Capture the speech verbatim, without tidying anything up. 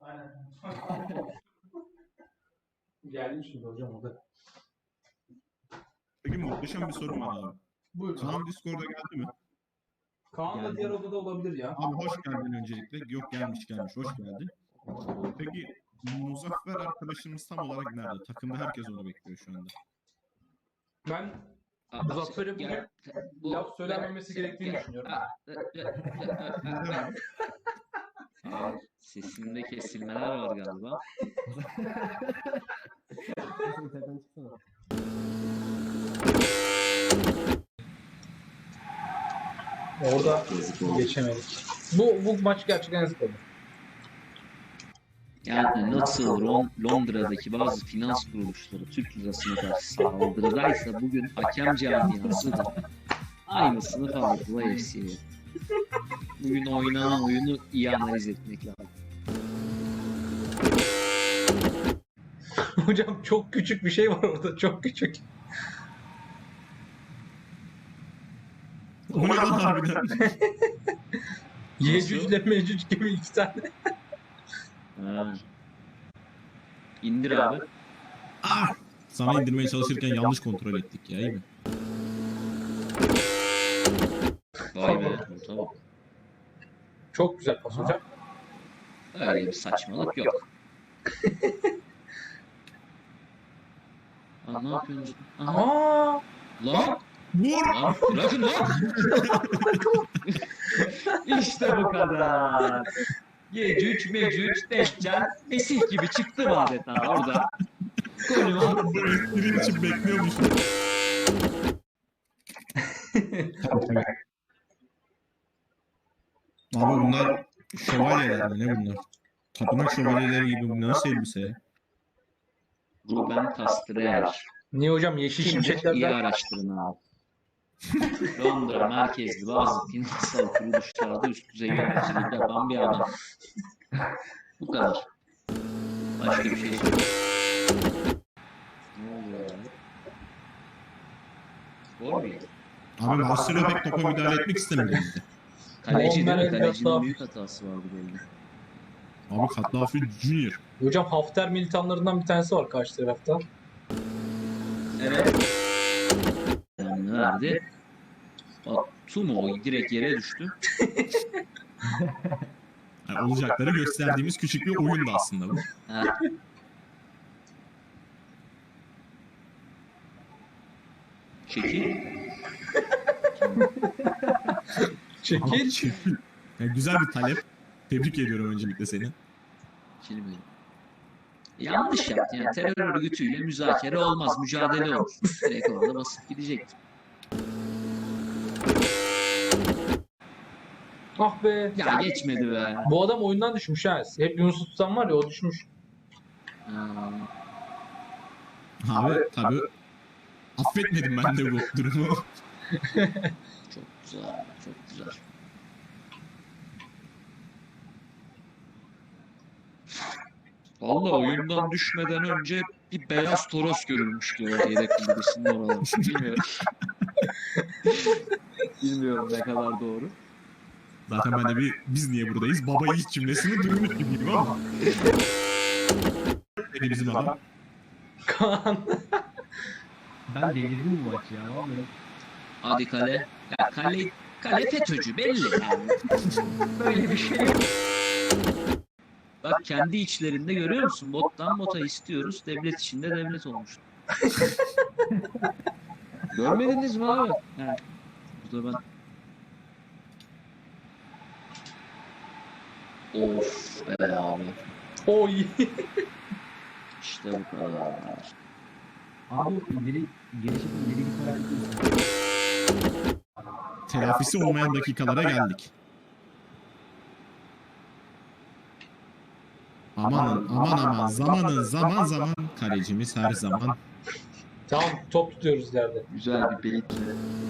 Aynen. Geldim şimdi hocam o da. Peki muhteşem bir sorum var abi. Buyurun. Kaan Discord'a geldi mi? Kaan da diğer odada olabilir ya. Abi hoş geldin öncelikle. Yok gelmiş gelmiş. Hoş geldin. Peki Muzaffer arkadaşımız tam olarak nerede? Takımda herkes onu bekliyor şu anda. Ben Aa, Muzaffer'e bugün ya, bu- laf söylenmemesi gerektiğini düşünüyorum. Aa, sesinde kesilmeler var galiba. Orada Yazık oldu. geçemedik. Bu bu maç gerçekten yazık oldu. Yani nasıl Ron- Londra'daki bazı finans kuruluşları Türk lirasına karşı saldırıdaysa bugün hakem camiası da aynısını Farklı F C'ye. Bugün oynanan oyunu iyi analiz etmek lazım. Hocam çok küçük bir şey var orada. Çok küçük. O ne lan harbiden? Yecüc ile Mecüc gibi iki tane. Ha. İndir abi. Ah! Sana indirmeye çalışırken yanlış kontrol ettik ya, iyi mi? Vay be. Tamam. Çok güzel pas hocam. Öyle bir saçmalık yok. Aa, ne yapıyorsunuz? Aha. Aa! Lan! Vur! Lan! Bırakın lan! İşte bu kadar. Yecüc, Mecüc, Deccal, Mesih gibi çıktım adeta orada. Golü var. Bu espri için bekliyormuşum. Abi bunlar şövalyeler mi? Ne bunlar? Tapınak şövalyeleri gibi, bu nasıl elbise ya? Ruben Castrer. Niye hocam yeşil Şimdi iyi şimşeklerden? araştırın abi. Londra merkezli bazı finansal kuruluşlarda üst düzey yöneticilik yapan bir adam. Bu kadar. Başka bir şey söyleyeyim. Ne oluyor ya? Gol mü? Abi Marcelo pek topa müdahale etmek istemedi bizde. Kaleci değil mi? Muammer El Kalecinin Gattafi. büyük hatası vardı golde. Abi Katlafi Junior. Hocam Hafter militanlarından bir tanesi var karşı tarafta. Evet. Yani verdi. Bak Tumo direkt yere düştü. Yani olacakları gösterdiğimiz küçük bir oyundu aslında bu. Ha. Çekil. Çekil. Çekil. Yani güzel bir talep. Tebrik ediyorum öncelikle seni. Çekilmedi. Yanlış yaptı yani terör örgütüyle müzakere olmaz, mücadele olur. Direkt orada basıp gidecektim. Ah be. Ya geçmedi be. Bu adam oyundan düşmüş ha. Hep Yunus'u tutan var ya o düşmüş. Ha. Abi tabi affetmedim ben de bu durumu. Çok güzel, çok güzel. Vallahi oyundan düşmeden önce bir beyaz toros görülmüş diyorlar yedek kulübesinin oraları. Bilmiyorum. Bilmiyorum ne kadar doğru. Zaten ben de bir biz niye buradayız baba yiğit cümlesini duymuş gibiyim ama. Dedi bizim adam. Kaan. Ben delirdim bu maçı ya vallahi. Hadi kale. Ya kale, kale FETÖ'cü belli yani. Böyle bir şey yok. Bak kendi içlerinde görüyor musun? Bottan bota istiyoruz. Devlet içinde devlet olmuş. Görmediniz mi abi? He. Burada ben... Of be abi. Oy. İşte bu kadar. Abi ileri gelişip ileri gitme hareketi. Telafisi olmayan dakikalara geldik. Amanın aman aman zamanın zaman zaman kalecimiz her zaman. Tamam top tutuyoruz ileride. Güzel bir beyitle.